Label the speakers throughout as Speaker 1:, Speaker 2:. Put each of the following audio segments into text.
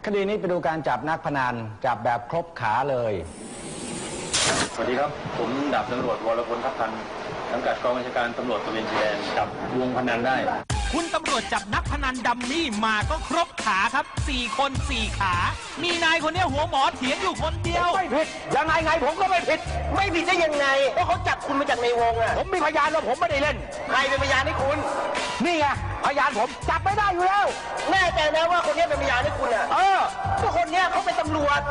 Speaker 1: คดีนี้ไปดูการจับนักพนันจับแบบครบขาเลย
Speaker 2: สวัสดีครับผมดาบตำรวจวรพลทัพพันธ์สังกัดกองบัญชาการตำรวจตระเวนชายแดนจับวงพนันได้
Speaker 3: คุณตำรวจจับนักพนันดัมมี่มาก็ครบขาครับ4 คน 4 ขามีนายคนนี้หัวหมอเถียงอยู่คนเดียว
Speaker 4: ไม่ผิดยังไงผมก็ไม่ผิดได้ยังไงเพราะเขาจับคุณมาจากในวงอ่ะผมมีพยานว่าผมไม่ได้เล่นใครเป็นพยานให้คุณนี่ไงพยานผมจับไม่ได้อยู่แล้วแน่ใจนะว่าคนนี้เป็นพยานให้คุณอ่ะก็คนนี้เขาเป็นตำรวจ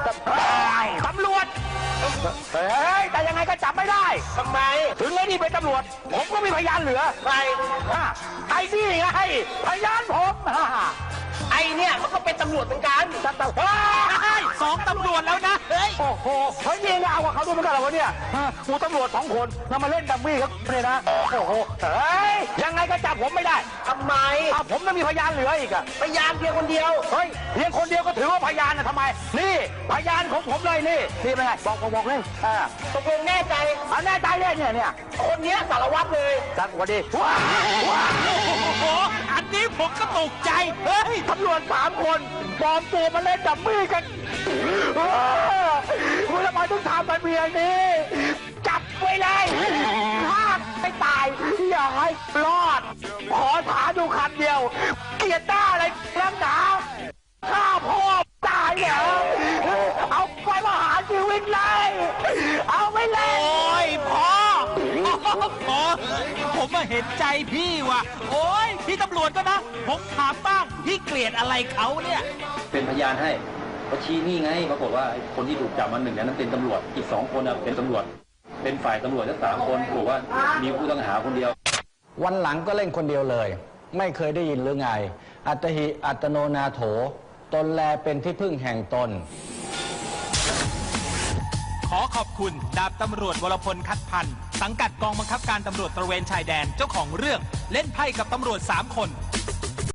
Speaker 4: เฮ้ยแต่ยังไงก็จับไม่ได้ทำไมถึงไอ้นี่เป็นตำรวจผมก็มีพยานเหลือใครไอ้นี่ไงพยานผมไอ้เนี่ยมันก็เป็นตำรวจเหมือนกัน
Speaker 3: 2 ตำรวจแล้วนะเฮ้ย
Speaker 4: โอ้โหเฮ้ยนี่เอากับเขาดูเหมือนกันเหรอวะเนี่ยกูตำรวจ2 คนแล้วมาเล่นดัมมี่ครับเนี่ยนะโอ้โหเฮ้ยยังไงก็จับผมไม่ได้ทำไมผมต้องมีพยานเหลืออีกอะพยานเพียงคนเดียวเฮ้ยเพียงคนเดียวก็ถือว่าพยานนะทำไมนี่พยานของผมเลยนี่เป็นไงบอกเลยตกลงแน่ใจแน่ใจเลยเนี่ยคนนี้สารวัตรเลยสวัสดี
Speaker 3: โอ้โหอันนี้ผมก็ตกใจ
Speaker 4: เฮ้ยตำรวจ3 คนปลอมตัวมาเล่นดัมมี่กันคุณทำไมต้องทำแบบนี้จับไว้เลยห้ามไม่ตายอย่าให้รอดขอถามดูคำเดียวเกลียดหน้าอะไรนักหนาฆ่าพ่อตายเหรอเอาไปประหารชีวิตเลยเอาไปเลย
Speaker 3: โอ้ยพ่อผมมาเห็นใจพี่ว่ะโอ้ยพี่ตำรวจก็นะผมถามบ้างพี่เกลียดอะไรเขาเนี่ย
Speaker 2: เป็นพยานให้เขาชี้นี่ไงปรากฏว่าคนที่ถูกจับมา1นั้นเป็นตำรวจอีก2 คนเป็นตำรวจเป็นฝ่ายตำรวจทั้ง3 คนบอกว่ามีผู้ต้องหาคนเดียว
Speaker 1: วันหลังก็เล่นคนเดียวเลยไม่เคยได้ยินหรือไงอัตหิอัตโนนาโถตนแลเป็นที่พึ่งแห่งตน
Speaker 3: ขอขอบคุณดาบตำรวจวรพลคัดพันธ์สังกัดกองบังคับการตำรวจตระเวนชายแดนเจ้าของเรื่องเล่นไพ่กับตำรวจ3 คน